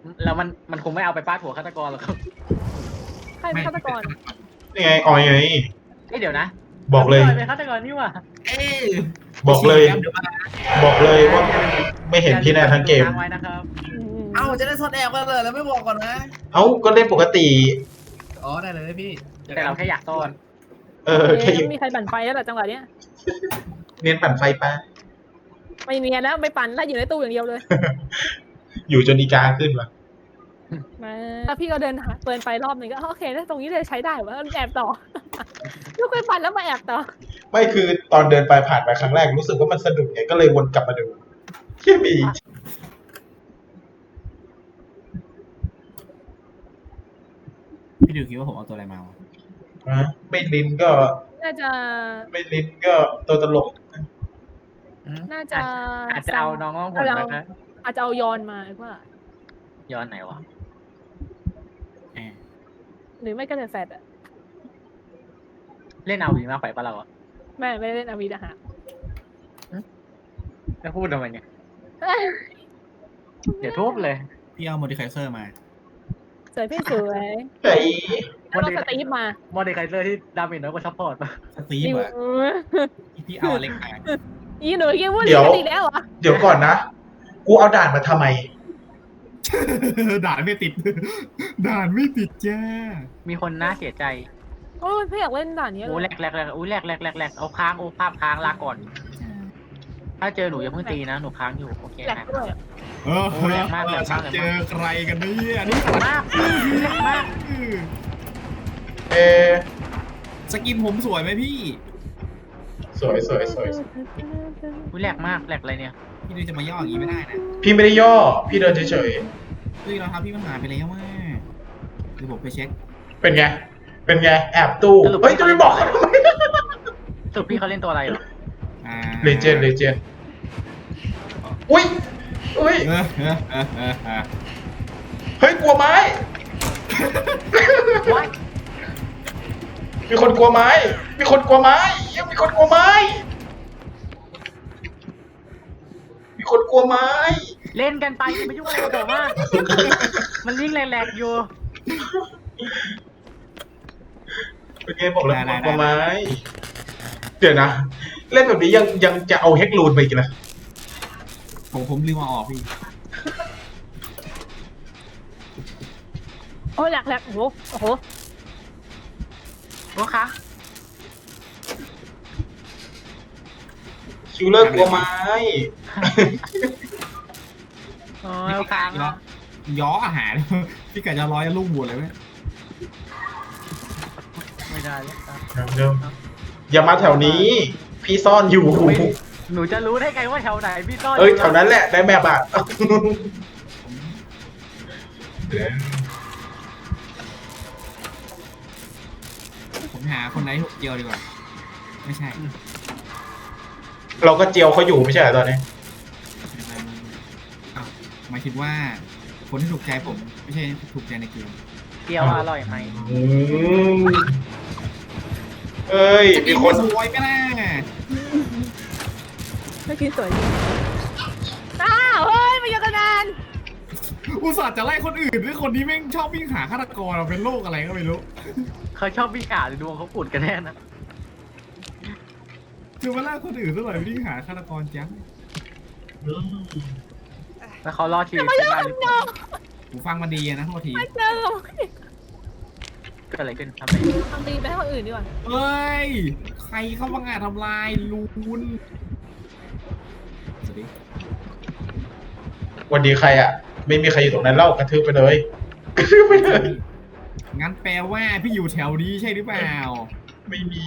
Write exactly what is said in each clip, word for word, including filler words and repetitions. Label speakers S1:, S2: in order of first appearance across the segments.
S1: แล้วมันมันคงไม่เอาไปฟาดหัวฆาตกรหรอกครับ
S2: ใครเป็นฆาตกร
S3: นี่ไงออยไง
S1: เอ้ยเดี๋ยวนะ
S3: บอกเลย
S1: เป็นฆาตกรนี่หว่า
S4: เอ๊ะ
S3: บอกเลย
S4: เดี๋ยวมา
S3: บอกเลยว่าไม่เห็นพี่แน่ทั้งเกม
S1: ทางไว้นะครับ
S4: เอ้าจะได้ซ่อนแอบกันเลยแล้วไม่บอกก่อนนะ
S3: เอ้าก็เล่นปกติ
S4: อ๋อได้เลยพี่
S1: แต่เราแค่อยากซ่อน
S3: เออแค่
S2: เอ๊ะมีใครปั่นไฟแล้วเหรอจังหวะเนี้ย
S3: เนียนปั่นไฟปะ
S2: ไม่เนียนแล้วไม่ปั่นแล้วอยู่ในตู้อย่างเดียวเลย
S3: อยู่จนอีกาขึ้นวะ
S2: มาถ้าพี่ก็เดินหาเปิดไฟรอบหนึ่งก็โอเคแล้วตรงนี้เลยใช้ได้ว่าแอบต่อ ลูกไปปั่นแล้วมาแอบต่อ
S3: ไม่คือตอนเดินไปผ่านไปครั้งแรกรู้สึกว่ามันสะดุดไงก็เลยวนกลับมาดูแค่มี
S4: พี่ดิวคิดว่าผมเอาตัวอะไรมาวะ
S3: ฮะไม่ลิ้นก็
S2: น่าจะ
S3: ไม่ลิ้นก็ตัวตลก
S2: น่าจะ
S1: อาจจะเอาน้องง้องผลนะคะ
S2: อาจจะเอายอนมาว่า
S1: ย้อนไหนวะ
S4: แอบ
S2: หรือไม่ก็เดนแฟดอะ
S1: เล่นเอาวีมากไปปะเราอะ
S2: แม่ไม่ได้เล่นอาวีนะฮะ
S1: จะพูดทำไมเนี่ยเดี๋ยวทุบเลย
S4: พี่เอาโมดิไคเซอร์มา
S2: สวยพี่สวย
S3: ไอ้
S2: แล้วเราสตีฟมา
S1: มอดเดคไคเซอร์ที่ดาเมจน้อยกว่าซัพพอร์ตปะ
S4: สตีฟ
S2: ดิว
S4: อะพี่เอาเล็กมา
S2: อีหนูยังพูดเรื่องอีกแล้วเหรอ
S3: เดี๋ยวก่อนนะ กูเอาด่านมาทำไม
S4: ด่านไม่ติด ด่านไม่ติดจ้า
S1: มีคนน่าเสียใจ
S2: โอ้ยพี่อยากเล่นด่านนี้เล
S1: โอ้
S2: ย
S1: แหลกแหลกแหลกอุ้ยแหลกแหลกแหลกแหลกเอาค้างโอ้ภาพค้างลาก่อน ถ้าเจอหนูอย่าเพิ่งตีนะหนูค้างอยู่โอเค
S2: แหลก
S1: นะ
S2: ด้วยอะ
S4: เออ
S1: โอ้แรงมากแรงมาก
S4: เจอใครกันเนี่ยนี่
S1: มากแหลกมาก
S3: เออ
S4: สกินผมสวยไหมพี่
S3: สวยสวยสวย
S1: อุ้ยแหลกมากแหลกอะไรเนี่ย
S4: พี่ดิวจะมาย่ออย่างนี้ไม่ได้นะ
S3: พี่ไม่ได้ย่อ พี่เดินเฉย
S4: เฮ้ยเราทำพี่มันหายไปแล้วว่าเดี๋ยวผมไปเช็ค
S3: ๆ เป็นไง เป็นไง แอบตู้ เฮ้ย จะไม่บอก
S1: สรุปพี่เขาเล่นตัวอะไรเหรอ
S4: อ่า
S3: เลเจนด์เลเจนด์อุ้ย อุ้ย
S4: เออเออเออเออเออ
S3: เฮ้ย กลัวไม้
S1: ว้าย
S3: มีคนกลัวไม้ มีคนกลัวไม้ยังมีคนกลัวไม้ มีคนกลัวไม้
S1: เล่นกันไปอย่าไปยุ่งอะไรกับผมมากมันยิ่งแหลกๆอยู่
S3: เป็นไงบอกแล้วมีคนกลัวไม้ เดี๋ยวนะ เล่นแบบนี้ยังยังจะเอาเฮกลูนไปอีกนะ
S4: ผมผมลืมเอาออกพี่
S2: โอ้ยแหลกแหลกโอ้โหโอ้โห
S1: โอ้คะ
S3: คิวเลอร์กลัวไม้
S1: โอ้ยค้าง
S4: ย้อย้ออาหาร พี่ไก่จะร้อยลูกบวชเลยไหม
S1: ไม่ได้เลยครับ
S3: เดิมอย่ามาแถวนี้ พี่ซ่อนอยู่
S1: ไม่หนูจะรู้ได้ไงว่าแถวไหนพี่ต้อน
S3: เอ้ยแถวนั้นแหละได้แมปอ่ะ
S4: ผมหาคนไหนถูกเดียวดีกว่า ไม่ใช่
S3: เราก็เจียวเขาอยู่ไม่ใช่เหรอตอนนี้
S4: อ้าวหมายถึงว่า คนที่ถูกใจผม ไม่ใช่ถูกใจในเกม
S1: เกี๊ยวอร่อยไหม
S3: อืมเอ้ย
S4: จะ
S3: มี
S4: กิน
S3: ค
S4: ไม่
S3: น
S4: สวยก็ได้
S2: ไม่กินสวยจริงอ้าวเฮ้ยมาเยอะกันนาน
S4: อุตส่าห์จะไล่คนอื่นด้วยคนนี้แม่งชอบวิ่งหาฆาตกรเป็นโรคอะไรก็ไม่รู้
S1: เขาชอบวิ่งอ่านหรือดวงเขาปุดกันแน่นะ
S4: คือมาไล่คนอื่นซะหน่อยวิ่งหาฆาตกรจัง
S1: แล้วเขารอดชีวิต
S2: มาเย
S1: ได้
S2: อะ
S1: ห
S2: กั
S1: รื
S2: น
S1: อเปล่า
S2: เนาะ
S4: หูฟังมาดีนะโทษที
S2: ไม่เจอ
S1: เกิดอะไรขึ้นทำไม
S2: ทำดีไปให้คนอื่นดีกว่า
S4: เฮ้ย ใครเข้ามางานทำลายลูนสวัสดี
S3: วันดีใครอ่ะ ไม่มีใครอยู่ตรงนั้นเล่ากระทืบไปเลยกระทืบไปเลย
S4: งั้นแปลว่าพี่อยู่แถวนี้ใช่หรือเปล่า
S3: ไม่มี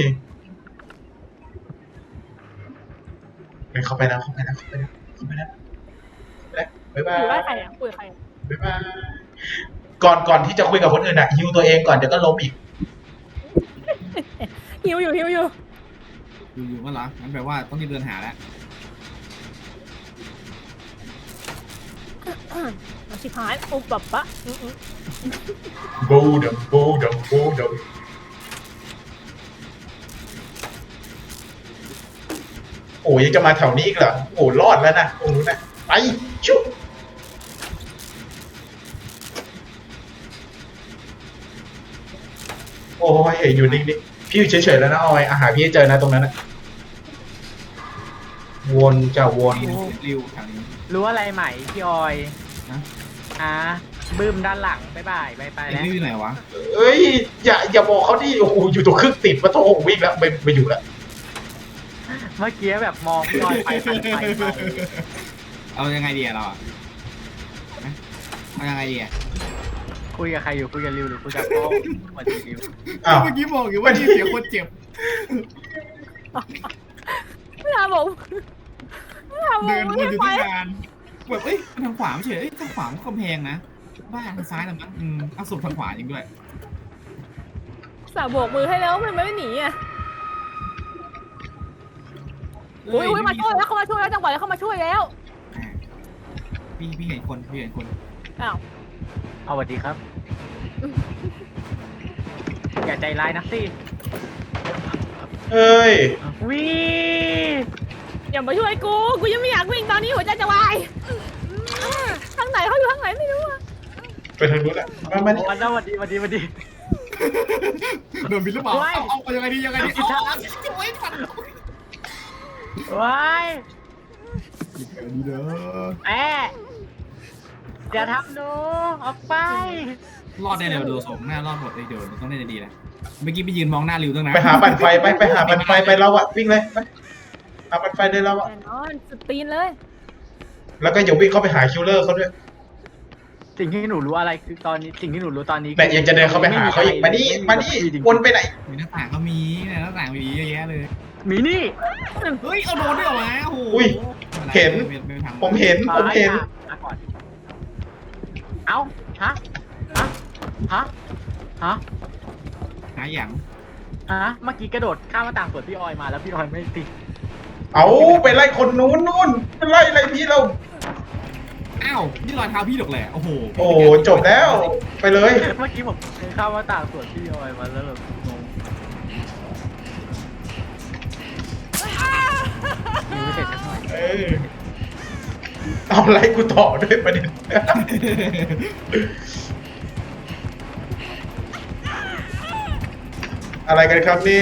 S3: ไปเข้าไปนะเข้าไปนะเข้าไปนะเข้าไปนะบ๊ายบา
S2: ห
S3: ย
S2: รือว่าใครอ่ะคุยกับใครอะ
S3: บ๊ายบายก่อนก่อนที่จะคุยกับคนอื่นอ่ะฮิวตัวเองก่อนเดี๋ยวก็ล้มอีก
S2: หิวอยู่หิวอยู่
S4: อยู่ๆก็เหรอ งั้นแปลว่าต้องรีบเดินหาแล้ว
S2: มาชิพายโอ้แบบปะอืม
S3: บูดัมบูดัมบูดัมโอ้ยยังจะมาแถวนี้อีกเหรอโอ้รอดแล้วนะตรงนู้นนะไปชุบโอ้ยอยู่นิ่งๆพี่อยู่เฉยๆแล้วนะออยอาหารพี่ให้เจอนะตรงนั้นนะวนจะวน
S4: ริวแถวนี้
S1: รู้อะไรใหม่พี่ออย
S4: นะ
S1: อ่ะบึ้มด้านหลังบ๊ายบายบายไป
S4: ไอ้
S1: แล้ว
S4: ริวอยู่ไหนวะ
S3: เอ้ยอย่าอย่าบอกเขาดิโอ้โหอยู่ตรงครึ่งติดมาโถวิ่งแล้วไปไปอยู่แล้ว
S1: เมื่อกี้แบบมองพี่ออยไปไปไปไป
S4: เอายังไงดีอะเราอะฮะเอายังไงดีอะ
S1: คุยกับใครอยู่คุยกับริวหรือคุยกับพ่อวันดีริว
S3: อ้าว
S4: เมื่อกี้บอกอยู่ว่านี่เสียงคนเจ็บ
S2: ไม่ทำผมไม่ทำผ
S4: เดิ
S2: ม
S4: นวน
S2: ไม่
S4: อยู่
S2: ไป
S4: ตั้งนานแบบเอ้ยทางขวาไม่ใช่เอ้ยทางขวามันกำแพงนะบ้าทางซ้ายนะมั้งอืมเอาศพทางขวาจริงด้วย
S2: สาวโบกมือให้แล้วมันไม่หนีอ่ะอุ้ยอุ้ยมาช่วยแล้วเขามาช่วยแล้วจังหวะนี้เขามาช่วยแล้ว
S4: อ่าพี่พี่เห็นคนพี่เห็นคน
S2: อ้าว
S1: เอาสวัสดีครับ อย่าใจร้ายนักสิ
S3: เอ้ย
S1: วิ
S2: อย่ามาช่วยกูกูยังไม่อยากวิ่งตอนนี้หัวใจจะวายทางไหนเขาอยู่ทางไหนไม่รู้อะ
S3: ไปทางนู้นแหละมามานี่
S1: วันแล้วสวัสดีสวัสดีสวัสดี
S4: โดนบินหรือเปล่า
S1: โอ้ย
S4: เอาเอาเอายังไงดียังไงดีเอาเอาโอ้ยฝัน
S1: ว้าย
S4: ดีเด้อ
S1: แอะอย่าทำหนูออกไป
S4: รอดได้เดี๋ยวดูสมหน้ารอดหมดเลยเดี๋ยวต้องเล่นดีๆนะเมื่อกี้ไปยืนมองหน้าริวตั้งนาน
S3: ไปหาปั่นไฟไปไปหาปั่นไฟไปเราอะวิ่งเลยไปหาปั่นไฟเลยเราอะ
S2: แน่นอนสุดตีนเลย
S3: แล้วก็อย่าวิ่งเข้าไปหาคิลเลอร์เขาด้วย
S1: สิ่งที่หนูรู้อะไรคือตอนนี้สิ่งที่หนูรู้ตอนนี้
S3: แต่ยังจะเดินเข้าไปหาเขาอีกมานี่มานี่วนไปไหน
S4: มีหน้าต่างก็มีเนี่ยหน้าต่างมีเยอะแยะเลย
S1: หมีนี่
S4: เฮ้ยเอาโดนด้วยเหรอวะโอ้โห
S3: อุ้ย
S4: ไม่
S3: เห็น
S4: ไม่ไม่ทำ
S3: ผมเห็นผมเห็น
S1: มาก่อนเอ้าฮะฮะฮะฮะ
S4: หาอย่าง
S1: ฮะเมื่อกี้กระโดดข้ามหน้าต่างสวนพี่ออยมาแล้วพี่ออยไม่ติด
S3: เอาไปไล่คนนู้นนู่นไปไล่ไล่พี่เรา
S4: อ้าวนี่รอยเท้าพี่หรอกแหละโอ้โห
S3: โอ้จบแล้วไปเลย
S1: เมื่อกี้ผมข้ามหน้าต่างสวนพี่ออยมาแล้วแบบงงยังไม่เสร็จสักหน่อย
S3: เออเอาไล่กูต่อด้วยประเด็น อะไรกันครับเนี่ย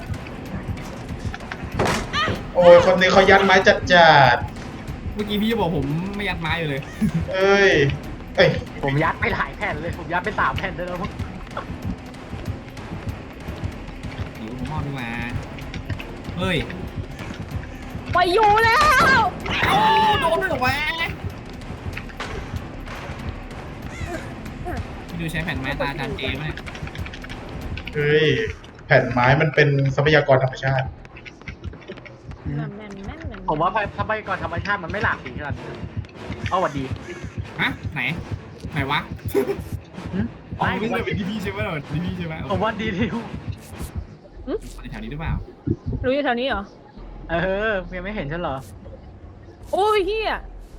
S3: โอ้ยคนนี้เขายัดไม้จัดจัด
S4: เมื่อกี้พี่จะบอกผมไม่ยัดไม้อยู่เลย
S3: ๆเอ้ย เอ้ย
S1: ผมยัดไปหลายแผ่นเลยผมยัดไปสามแผ่นได้แล้วมั้ง
S4: หิวผมมอบขึ้นมาเฮ้ย
S2: ไปอยู่แล้ว
S4: โอ้โดนด้วยเหรอวะพี่ดูใช้แผ่นไม้ตาจานเจไหม
S3: เฮ้ย แผ่นไม้มันเป็นทรัพยากรธรรมชาติ
S2: แม่นแม่นแม่นแม่น
S1: ผมว่าทรัพยากรธรรมชาติมันไม่หลากสีขนาดนี้เอาหวัดดี
S4: ฮะไหนไหนวะ
S1: หึ
S4: อ๋อ
S1: ไม่
S4: ไม่ใช่เป็นดีพีใช่ไหมเหรอดีพีใช่ไหม
S1: ผมว่าดีริว
S4: แถวนี้หรือเปล่า
S2: รู้อยู่แถวนี้เหรอ
S1: เออยังไม่เห็นฉันเหรอ
S2: โอ้ยเฮีย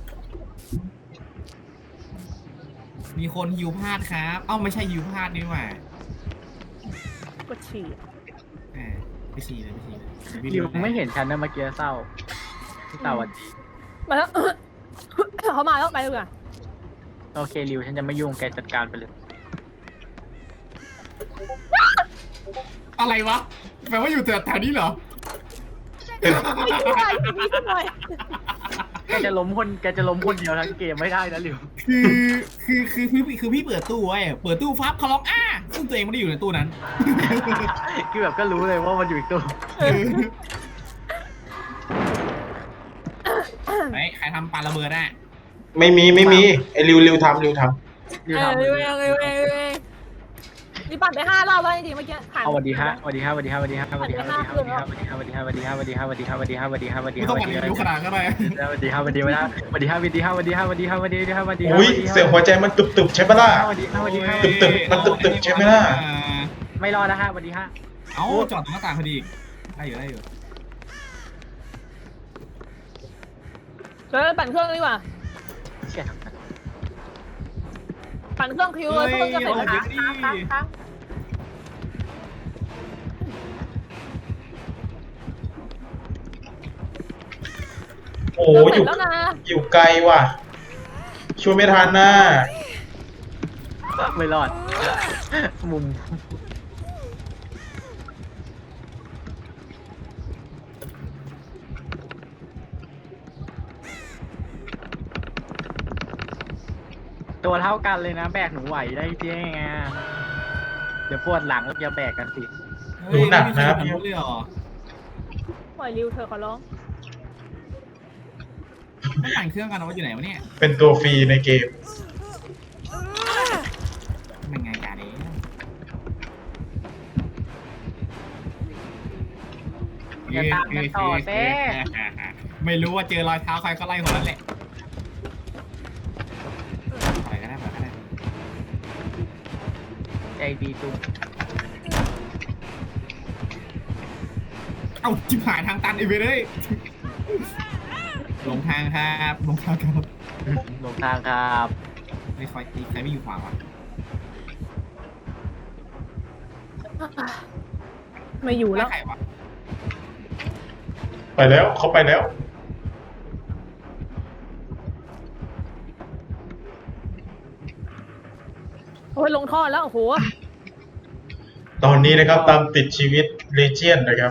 S4: มีคนฮิวพลาดครับเอ้าไม่ใช่ฮิวพลาดนี่หว่าก
S2: ดฉี่
S4: อ่าไปฉี่เลยไปฉี่เลย
S1: ริวไม่เห็นฉันนะเมื่อกี้เศร้าแต่หวัดดี
S2: มาแล้ว เขามาแล้วไปเลยอ่ะ
S1: โอเคริวฉันจะไม่ยุ่งแกจัดการไปเลย
S4: อะไรวะแปลว่าอยู่แถวนี้เหรอ
S2: ไม่ช่วยไม่ช่วย
S1: แกจะล้มคนแกจะล้มคนเดียวทั้งเกมไม่ได้นะริว
S4: คือคือคือคือคือพี่เปิดตู้ไว้เปิดตู้ฟับเขาร้องอ้าซึ่งตัวเองไม่ได้อยู่ในตู้นั้น
S1: คือแบบก็รู้เลยว่ามันอยู่อีกตัว
S4: ไอ้ใครทำปาระเบิดอ่ะ
S3: ไม่มีไม่มีไอ้ริวริวทำริวท
S1: ริว
S2: เออ
S1: ทำ
S2: เออเออเออเออนี่ปั่นไปห้ารอบแล้วจริงๆเมื่อกี้ผ่าน
S1: เอาสวัสดีฮะสวัสดีฮะสวัสดีฮะสวัสดีฮะสวัสดีฮะสวัสดีฮะสวัสดีฮะสวัสดีฮะสวัสดีฮะสวัสดีฮะสวัสดีฮะสวัสดีฮะสวัสดีฮะสวัสดีฮะสวัสดี
S4: ไม่
S1: ฮะ
S4: ต้อง
S1: สวั
S4: มา
S1: สดี
S4: รีวิวขนาดก็ได้
S1: สวัสดีฮะสวัสดีฮะสวัสดีฮะสวัสดีฮะสวัสดีฮะสวัสดีฮะสวัสดีฮะสวัสดี
S3: ำ
S1: ฮะสวัสดีฮะ
S3: อุ้ยเสียงหัวใจมันตุบตุบๆใช่ปะล่ะ
S1: สวัสดีฮะสวัสดีฮะ
S3: ตึบๆมันตึบๆใช่ไหมล่ะ
S1: ไม่รอดนะฮะสวัสดีฮะ
S4: เอ้าจอดตรงหน้าต่างพอดีได้อยู่ได้อยู่
S2: เดี๋ยวปั่นเครื่องดีกว่า
S1: เชี่ย
S2: ปั่นเครื่องคิวเลยเครื่องจะเสร็จแล้วนะ
S1: ค้างค้าง
S3: โอ้
S2: เครื่อง
S3: อ
S2: เสร็
S3: ยู่
S2: จแล้วนะ
S3: อยู่ไกลว่ะ ช่วยไม่ทันนะ
S1: ไม่รอด มุมตัวเท่ากันเลยนะ แบกหนูไหวได้จริงไงเดี๋ยวปวดหลังแล้วจะแบกกันสิ
S4: เฮ้ยไม่มีใครทำรู้เลยเหรอ
S2: ปล่อยริวเธอขอร้อง
S4: ต้องปั่นเครื่องกันเอาไว้อยู่ไหนวะเนี่ย
S3: เป็นตัวฟรีในเกม
S4: มันไงกันเอง
S1: อย่าตามกันต่อเต้
S4: ไม่รู้ว่าเจอรอยเท้าใครก็ไล่คนนั้นแหละปล่อยก็ได้ปล่อยก็ได้
S1: ใจดีจุง
S4: เอ้าจิบหายทางตันอีกไปเลยหลงทางครับหลงทางครับ
S1: ลงทางครับ
S4: ไม่คอยตีใครไม่อยู่ขวาวะ
S2: ไม่อยู่แล้ว
S4: ใครวะ
S3: ไปแล้วเขาไปแล้ว
S2: โอ้ยลงท่อแล้วโอ้โห
S3: ตอนนี้นะครับตามติดชีวิตเลเจียนนะครับ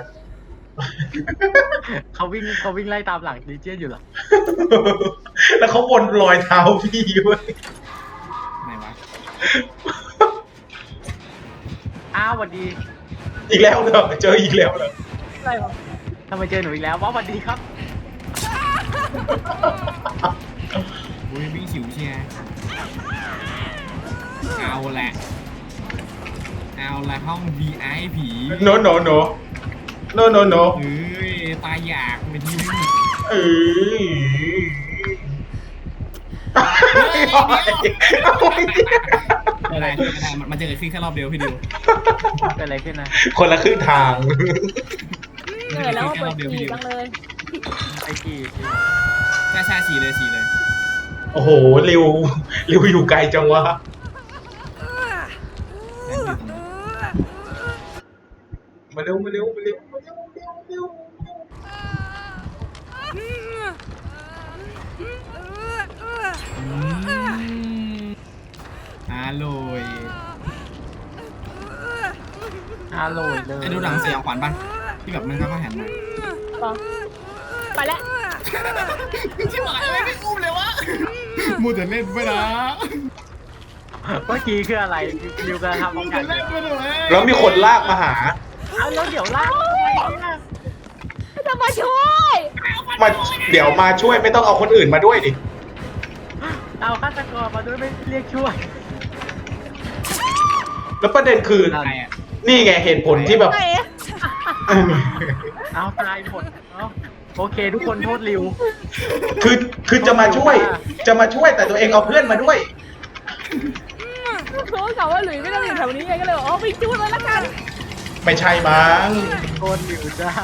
S1: เขาวิ่งเขาวิ่งไล่ตามหลังดีเจอยู่เหรอ
S3: แล้วเขาวนรอยเท้าพี่เว้ย
S4: ไหนวะ
S1: อ้าวสวัสดี
S3: อีกแล้วเหรอเจออีกแล้วเหรอ
S2: อะไรวะ
S1: ทำไมเจอหนูอีกแล้วว้าวสวัสดีครับ
S4: อุ้ยวิ่งฉิวเชียร์เอาแหละเอาละห้อง วี ไอ พี
S3: โนโนโนโนโนโน
S4: เฮ้ยตายอยากไปทีนึง
S3: เออ
S4: ไม่เป็นไรไม่เป็นไรมันมันจะเกิดขึ้นแค่รอบเดียวพี่ดิว
S1: เป็นอะไรขึ้นนะ
S3: คนละครึ่งทาง
S2: เหนื่อยแล้วก็เปิดขี่จังเลย
S1: ไอ้กี่
S4: ใช่ใช่ฉี่เลยฉี่เลย
S3: โอ้โหริวริวอยู่ไกลจังวะ
S4: นั่นอยู่ตรงนั้น
S3: มาเร็วมาเร็วมาเร็วมาเร็วมาเร็วมาเร็ว
S4: อืมอร่อย
S1: อร่อยเลย
S4: ไอ้ดูหนังเสียงขวัญป่ะที่แบบมันค่อยๆหันมา
S2: ต่อไปแล้ว
S4: ชิบหายเลยไม่อุ้มเลยวะมูแต่เล่นไปนะ
S1: เมื่อกี้คืออะไรดิวกำลังทำ
S4: มู
S1: โอกา
S4: แต่
S1: ส
S4: เล่นไปเลย
S3: แล้วมีคนลากมาหา
S1: เอาแล้วเดี๋ยวลากทำไมเนี่ย
S2: จะมาช่วย
S3: มาเดี๋ยวมาช่วยไม่ต้องเอาคนอื่นมาด้วยดิ
S1: เอาฆาตกรมาด้วยไม่เรียกช่วย
S3: แล้วประเด็นคือ
S1: เอา
S4: ใครอ่ะ
S3: นี่ไงเหตุผลที่แบบ
S2: ไหน
S1: เอาตายหมดเอาโอเค ทุกคนโทษริว
S3: คือคือจะมาช่วย จะมาช่วยแต่ตัวเองเอาเพื่อนมาด้วย
S2: เขากล่าวว่าหลุยไม่ต้องอยู่แถวนี้ไงก็เลยบอกอ๋อไปจูดเลยละกัน
S3: ไม่ใช่มั้ง
S1: โทษริวจ้า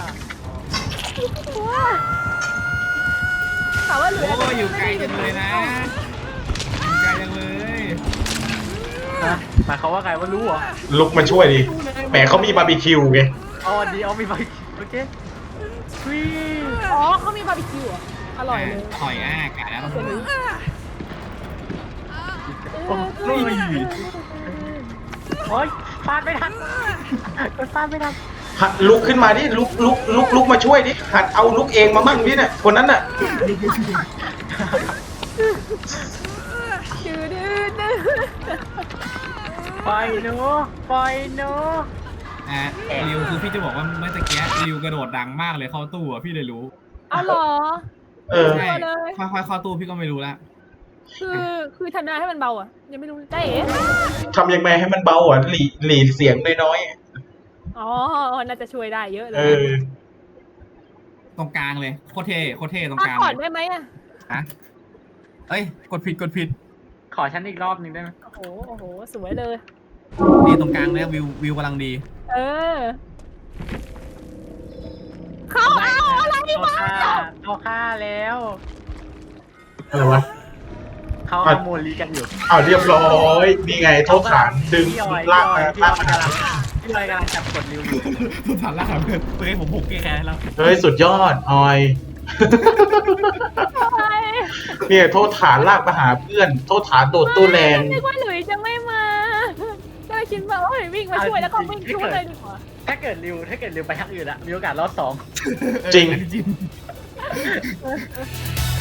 S2: ถามว่าหลุย
S4: โอ้ยอยู่ไกลจังเลยนะอยู่ไกลจังเลย
S1: ฮะหมายเขามว่าไงว่ารู้เหรอ
S3: ลุกมาช่วยดิแหมเขามีบาร์บีคิวไง
S1: อ๋อดีเอามีไปโอเควี
S2: อ๋อเขามีบาร์บีคิวอ่ะอร่อยเลย
S4: อร่อยอ่ะไก่แล้วต้อง
S1: โอ้ยโอ้ยฟาดไม่ทันกดฟาดไม่ทัน
S3: หัดลุกขึ้นมาดิลุกลุกลุกลุกมาช่วยดิหัดเอาลุกเองมามั่งดิเนี่ยคนนั้นน่ะ
S2: ดื้อดื้อดื้อ
S1: ปล่อยหนูปล่อยหนู
S4: อ่ะริวคือพี่จะบอกว่าเมื่อตะกี้ริวกระโดดดังมากเลยเข้าตู้อ่ะพี่เลยรู้
S2: เอาเหรอ
S3: เออ
S4: ใช่
S2: เลย
S4: ค่อยๆเข้าตู้พี่ก็ไม่รู้ละ
S2: คือคือทำนายให้มันเบาอ่ะยังไม่รู้ได้เอ๋
S3: ทำยังไงให้มันเบาอ่ะหลีหลีเสียงน้อย
S2: อ๋อน่าจะช่วยได้เยอะ
S3: ๆ
S2: เล
S3: เอย อ
S4: ตรงกลางเลยโคตรเท่โคตรเท่ตรง
S2: พั
S4: ก
S2: ก
S4: ลาง
S2: ก่อน
S4: เลย
S2: ได้ไหมอ่ะ
S4: ฮะเอ้ยกดผิดกดผิด
S1: ขอฉันอีกรอบหนึ่งได้ไหม
S2: โอ้โหโอ้โหสวยเลย
S4: นี่ตรงกลางเนี่ยวิววิวกำลังดี
S2: เออเขาเอาอะไร
S1: เอา
S2: มา
S1: ฆ่าเอาฆ่าแล้ว
S3: อะไรวะ
S1: เขาขโมยลีกันอยู่
S3: อ้าวเรียบร้อยนี่ไงโทษฐานดึง
S1: พี่ออย
S3: ลากมา
S1: พี่อ
S3: ลา
S1: อก ย
S3: มา
S1: กำลังพี่ออยกำลังจับกดริวอยู่
S4: ทุกฐานล่าครับเพื่อนเพื่อนผมผูกแก้แค้นแล้ว
S3: เฮ้ยสุดยอดออย
S2: อะไร
S3: เนี่ยโทษฐานลากมาหาเพื่อน โทษฐานโดดตู้แรง
S2: นึกว่าหลุยจะไม่มาก็เลยคิดว่าโอ้ยวิ่งมาช่วยแล้วก็วิ่งช่วยเลยดีกว่า
S1: ถ้าเกิดริวถ้าเกิดริวไปทางอื่นอะมีโอกาสรอดสอง
S3: จริง
S4: จริง